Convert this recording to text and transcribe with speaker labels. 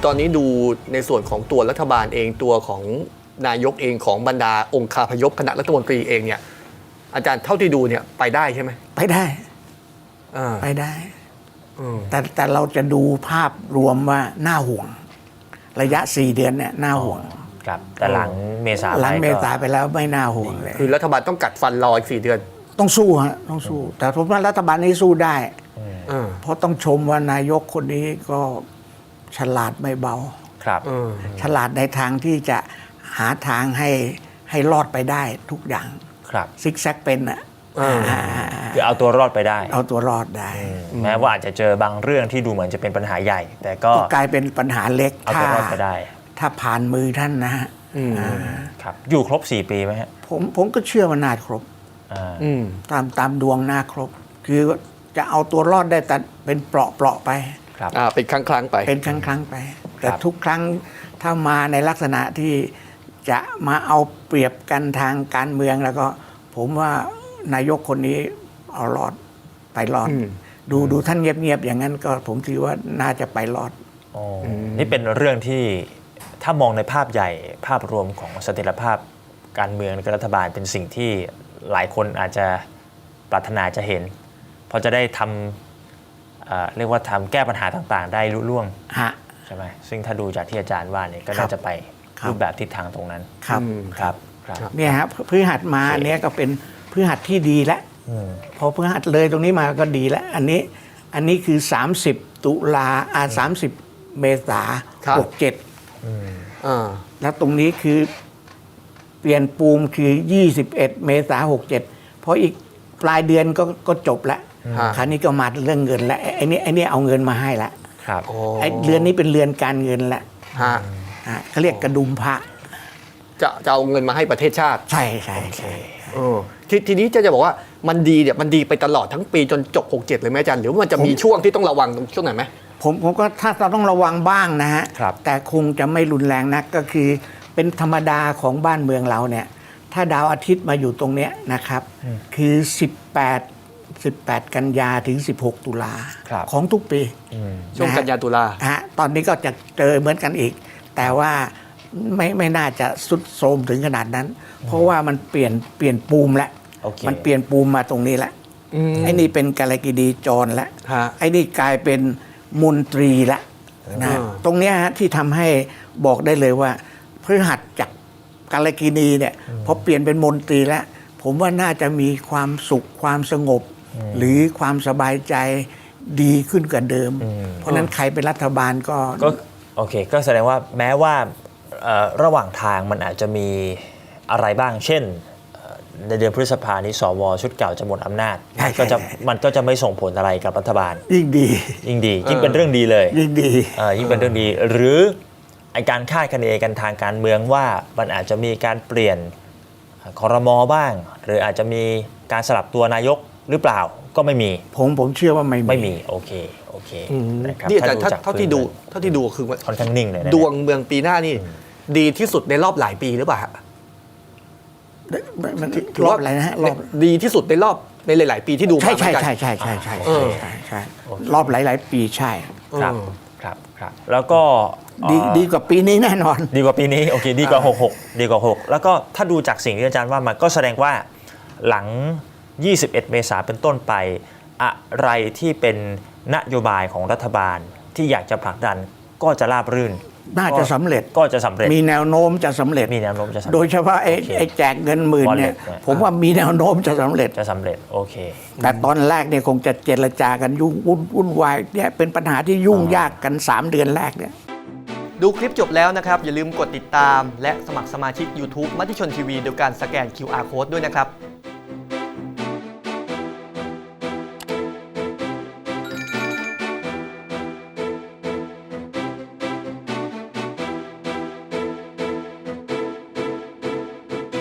Speaker 1: ตอนนี้ดูในส่วนของตัวรัฐบาลเองตัวของนายกเองของบรรดาองค์คาพยพคณะรัฐมนตรีเองเนี่ยอาจารย์เท่าที่ดูเนี่ยไปได้ใช่ไหม
Speaker 2: ไปได้ไปได้แต่เราจะดูภาพรวมว่าน่าห่วงระยะ4 เดือนเนี่ยน่าห่วง
Speaker 3: ครับแต่หลังเมษา
Speaker 2: ไปแล้วไม่น่าห่วงเลย
Speaker 1: คือรัฐบาลต้องกัดฟันรออีก4 เดือน
Speaker 2: ต้องสู้ฮะต้องสู้แต่ผมว่ารัฐบาลนี้สู้ได้เพราะต้องชมว่านายกคนนี้ก็ฉลาดไม่เบา
Speaker 3: ครับ
Speaker 2: ฉลาดในทางที่จะหาทางให้รอดไปได้ทุกอย่าง
Speaker 3: ครับ
Speaker 2: ซิกแซกเป็นอ่ะ
Speaker 3: คือเอาตัวรอดไปได้
Speaker 2: เอาตัวรอดได้
Speaker 3: แม้ว่าอาจจะเจอบางเรื่องที่ดูเหมือนจะเป็นปัญหาใหญ่แต่ก็
Speaker 2: กลายเป็นปัญหาเล็ก
Speaker 3: เอาตัวรอดไปได้
Speaker 2: ถ้าผ่านมือท่านนะฮะ
Speaker 3: ครับอยู่ครบ4 ปีไหมฮะ
Speaker 2: ผมก็เชื่อว่าน่าครบตามดวงน่าครบคือจะเอาตัวรอดได้แต่เป็นเปราะไป
Speaker 1: ครับเป็นครั้งไป
Speaker 2: เป็นครั้งไปแต่ทุกครั้งถ้ามาในลักษณะที่จะมาเอาเปรียบกันทางการเมืองแล้วก็ผมว่านายกคนนี้เอารอดไปรอดดูท่านเงียบๆอย่างนั้นก็ผมถือว่าน่าจะไปรอด
Speaker 3: นี่เป็นเรื่องที่ถ้ามองในภาพใหญ่ภาพรวมของเสถียรภาพการเมืองและรัฐบาลเป็นสิ่งที่หลายคนอาจจะปรารถนาจะเห็นเพราะจะได้ทำเรียกว่าทำแก้ปัญหาต่างๆได้ลุล่วงใช่ไหมซึ่งถ้าดูจากที่อาจารย์ว่าเนี่ยก็น่าจะไปรูปแบบทิศทางตรงนั้น
Speaker 2: ครับเนี่ยฮะพฤหัสมาเนี้ยก็เป็นพฤหัสที่ดีแล้วพอพฤหัสเลยตรงนี้มาก็ดีแล้วอันนี้คือ30 ตุลา30 เมษา67แล้วตรงนี้คือเปลี่ยนปูมคือ21 เมษา67เพราะอีกปลายเดือนก็จบแล้วคราวนี้ก็มาเรื่องเงินแล้วไอ้นี่เอาเงินมาให้แล้วไอ้เรือนนี้เป็นเรือนการเงินแล้วเขาเรียกกระดุมพระ
Speaker 1: จะเอาเงินมาให้ประเทศชาติ
Speaker 2: ใช่
Speaker 1: ทีนี้จะบอกว่ามันดีเนี่ยมันดีไปตลอดทั้งปีจนจบ67เลยไหมอาจารย์หรือว่ามันจะมีช่วงที่ต้องระวังช่วงไหนไหม
Speaker 2: ผมก็ถ้าเราต้องระวังบ้างนะฮะแต่คงจะไม่รุนแรงนักก็คือเป็นธรรมดาของบ้านเมืองเราเนี่ยถ้าดาวอาทิตย์มาอยู่ตรงเนี้ยนะครับคือ18 กันยาถึง16 ตุลาของทุกปี
Speaker 1: ช่วงกันยาตุลา
Speaker 2: ตอนนี้ก็จะเจอเหมือนกันอีกแต่ว่าไม่น่าจะสุดโทรมถึงขนาดนั้นเพราะว่ามันเปลี่ยนปูมแล้วมันเปลี่ยนปูมมาตรงนี้แล้วไอ้นี่เป็นกาลกิณีจรแล้วไอ้นี่กลายเป็นมนตรีแล้วนะตรงนี้ฮะที่ทำให้บอกได้เลยว่าพฤหัสจากกาลกิณีเนี่ยพอเปลี่ยนเป็นมนตรีแล้วผมว่าน่าจะมีความสุขความสงบหรือความสบายใจดีขึ้นกว่าเดิมเพราะนั้นใครเป็นรัฐบาลก็
Speaker 3: โอเคก็แสดงว่าแม้ว่าระหว่างทางมันอาจจะมีอะไรบ้างเช่นในเดือนพฤษภานี้สวชุดเก่าจะหมดอำนาจมันก็จะไม่ส่งผลอะไรกับรัฐบาล
Speaker 2: ยิ่งดี
Speaker 3: ยิ่งเป็นเรื่องดีเลย
Speaker 2: ยิ่ง
Speaker 3: เป็นเรื่องดีหรือการคาดคะเนกันทางการเมืองว่ามันอาจจะมีการเปลี่ยนครม.บ้างหรืออาจจะมีการสลับตัวนายกหรือเปล่าก็ไม่มี
Speaker 2: ผมเชื่อว่าไม่
Speaker 3: มีโอเค
Speaker 1: นี่อาจารย์เท่าที่ดูคือ
Speaker 3: ค่อนข้างนิ่งเลย
Speaker 1: ดวงเมืองปีหน้านี่ดีที่สุดในรอบหลายปีหรือเปล่าร
Speaker 2: อบอะไรนะฮะรอบ
Speaker 1: ดีที่สุดในหลายๆปีที่ดูมา
Speaker 2: ใช่รอบหลายปีใช่
Speaker 3: ครับแล้วก็
Speaker 2: ดีกว่าปีนี้แน่นอน
Speaker 3: ดีกว่าปีนี้โอเคดีกว่า66ดีกว่า6แล้วก็ถ้าดูจากสิ่งที่อาจารย์ว่ามาก็แสดงว่าหลัง21 เมษายนเป็นต้นไปอะไรที่เป็นนโยบายของรัฐบาลที่อยากจะผลักดันก็จะราบรื่น
Speaker 2: น่าจะสำเร็จมีแนวโน้มจะสำเร็จโดยเฉพาะไอ้แจกเงินหมื่นเนี่ยผมว่ามีแนวโน้มจะสำเร็จ
Speaker 3: โอเค
Speaker 2: แต่ตอนแรกเนี่ยคงจะเจรจากันยุ่งวุ่นวายเนี่ยเป็นปัญหาที่ยุ่งยากกัน3 เดือนแรกเนี่ย
Speaker 1: ดูคลิปจบแล้วนะครับอย่าลืมกดติดตามและสมัครสมาชิก YouTube มติชนทีวีโดยการสแกน QR Code ด้วยนะครับ